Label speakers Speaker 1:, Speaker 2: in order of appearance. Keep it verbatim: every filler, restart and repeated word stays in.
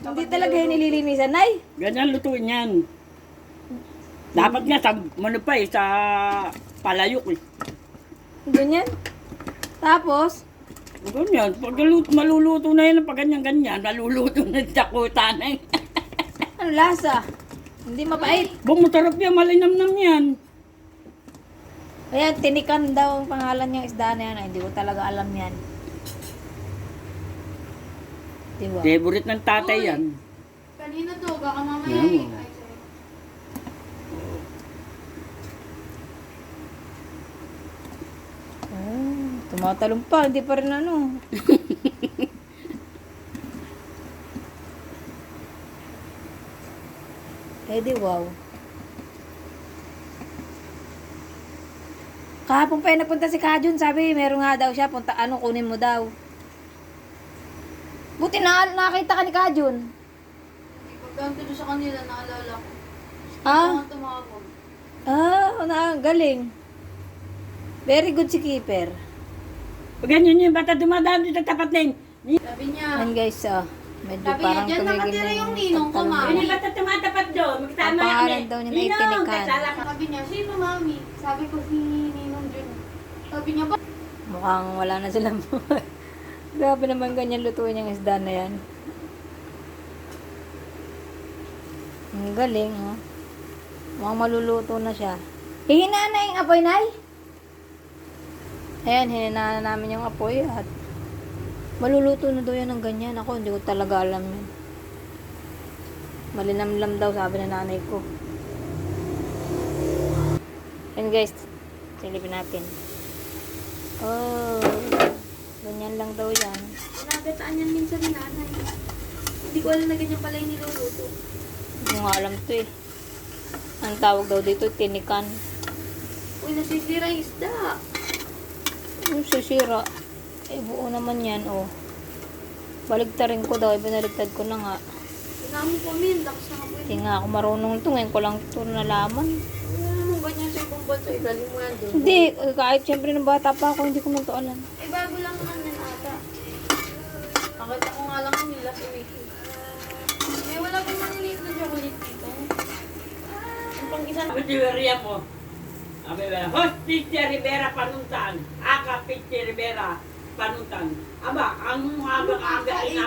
Speaker 1: Hindi talaga yun nililinisan, Nay.
Speaker 2: Ganyan lutuin yan. Dapat nga sa, ano pa eh, sa palayok eh.
Speaker 1: Ganyan. Tapos,
Speaker 2: Ganyan, pag luto- maluluto na yan, pag ganyan-ganyan, maluluto na sa kuta na yun.
Speaker 1: ano lasa? Hindi mapait.
Speaker 2: Bang masarap yan, malinamnam yan.
Speaker 1: Ayan, tinikan daw ang pangalan niyang isda na yan. Ay, hindi ko talaga alam yan. Di ba?
Speaker 2: Favorite ng tatay yan.
Speaker 3: Kanina to, baka mamaya
Speaker 2: Yan.
Speaker 3: eh. Ay, sorry.
Speaker 1: Oh, tumatalong pa. Hindi pa rin ano. Eh di wow. Kahapon pa yung napunta si Kajun, sabi, meron nga daw siya, punta, ano, kunin mo daw. Buti na, nakita ka ni Kajun.
Speaker 3: Pagkanto doon sa kanila, naalala ko.
Speaker 1: Ah?
Speaker 3: Mga tumawag.
Speaker 1: Ah, na, galing. Very good si Keeper.
Speaker 2: Pag ganyan yung bata dumadaan dito sa tapat na yun.
Speaker 3: Sabi niya,
Speaker 1: Ayan guys, ah, medyo
Speaker 3: sabi niya,
Speaker 1: parang
Speaker 3: dyan
Speaker 1: tumigil
Speaker 3: nakatira
Speaker 1: na
Speaker 3: yung ninong ko,
Speaker 1: pagtalong
Speaker 3: mami.
Speaker 2: Yan
Speaker 1: niya.
Speaker 2: yung bata tumatapat doon.
Speaker 1: Ang
Speaker 2: Magkasama
Speaker 1: pangalan daw niya na itinikan.
Speaker 3: sabi niya, sino mami? Sabi ko si Ninong Jun. Sabi niya, ba?
Speaker 1: Mukhang wala na silang buhay. Grabe naman ganyan lutuin yung isda na yan. Ang galing, oh. Mukhang maluluto na siya. Hihinaan na yung apoy, Nay. Ayan, hininaan na namin yung apoy at maluluto na daw yan ng ganyan. Ako, hindi ko talaga alam yun. Malinamlam daw, sabi na nanay ko. Ayan guys, silipin natin. Oh, ganyan lang daw yan.
Speaker 3: Nagataan yan minsan ni nanay. Hindi ko alam na ganyan pala yung niluluto.
Speaker 1: Hindi ko nga alam to eh. Ang tawag daw dito, tinikan.
Speaker 3: Uy, nasisira yung isda.
Speaker 1: Yung sisira. Eh, buo naman yan, oh. Baligtarin ko daw, eh, binaligtad ko na nga.
Speaker 3: Tinamon ko min, lakas na nga po
Speaker 1: Hindi
Speaker 3: yun.
Speaker 1: nga ako marunong ito, ngayon ko lang ito nalaman.
Speaker 3: Wala namang ganyan sa ibang bansa. Igaling mo yan doon.
Speaker 1: Hindi, eh, kahit syempre nung bata pa ako, hindi ko man ito alam.
Speaker 3: Eh, bago lang naman yan ata. Nakita ko nga lang yun last week. Eh, wala pang maliliit na chocolate dito. Yung pang isang...
Speaker 2: Sabi si Maria po. Sabi ba, Host Teacher Rivera Panuntan. Aka Teacher Rivera Panuntan. Aba, ang mga aga-aga